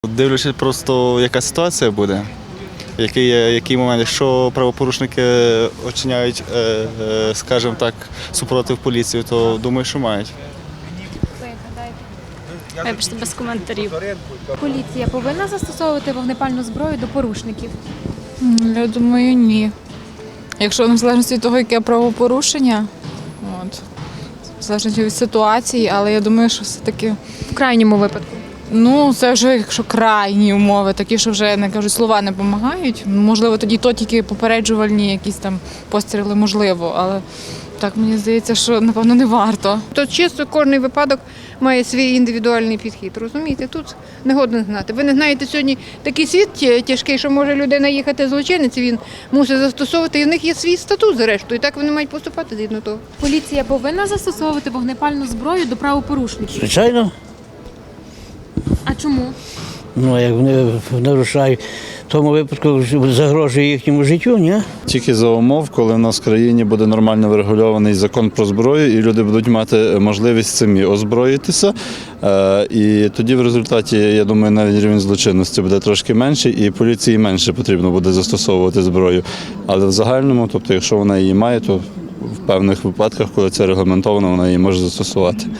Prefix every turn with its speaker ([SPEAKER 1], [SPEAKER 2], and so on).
[SPEAKER 1] Дивлячись просто, яка ситуація буде, який момент. Якщо правопорушники очиняють, скажімо так, супротив поліції, то думаю, що мають.
[SPEAKER 2] Вибачте, без коментарів.
[SPEAKER 3] Поліція повинна застосовувати вогнепальну зброю до порушників?
[SPEAKER 4] Я думаю, ні. Якщо в залежності від того, яке правопорушення, в залежності від ситуації, але я думаю, що все-таки,
[SPEAKER 3] В крайньому випадку.
[SPEAKER 4] це вже якщо крайні умови, такі, що вже, не кажуть, слова не допомагають, можливо, тоді тільки попереджувальні якісь там постріли, можливо, але так мені здається, що, напевно, не варто.
[SPEAKER 5] То чисто кожен випадок має свій індивідуальний підхід, розумієте? Тут не годно знати. Ви не знаєте, сьогодні такий світ тяжкий, що може людина їхати злочинець, він мусить застосовувати, і в них є свій статут, зрештою, і так вони мають поступати згідно того.
[SPEAKER 3] Поліція повинна застосовувати вогнепальну зброю до правопорушників?
[SPEAKER 6] Звичайно.
[SPEAKER 3] А чому?
[SPEAKER 6] Як вони нарушають, в тому випадку загрожує їхньому життю, ні?
[SPEAKER 7] Тільки за умов, коли в нас в країні буде нормально врегульований закон про зброю, і люди будуть мати можливість самі озброїтися. І тоді в результаті, я думаю, навіть рівень злочинності буде трошки менший, і поліції менше потрібно буде застосовувати зброю. Але в загальному, тобто, якщо вона її має, то в певних випадках, коли це регламентовано, вона її може застосувати.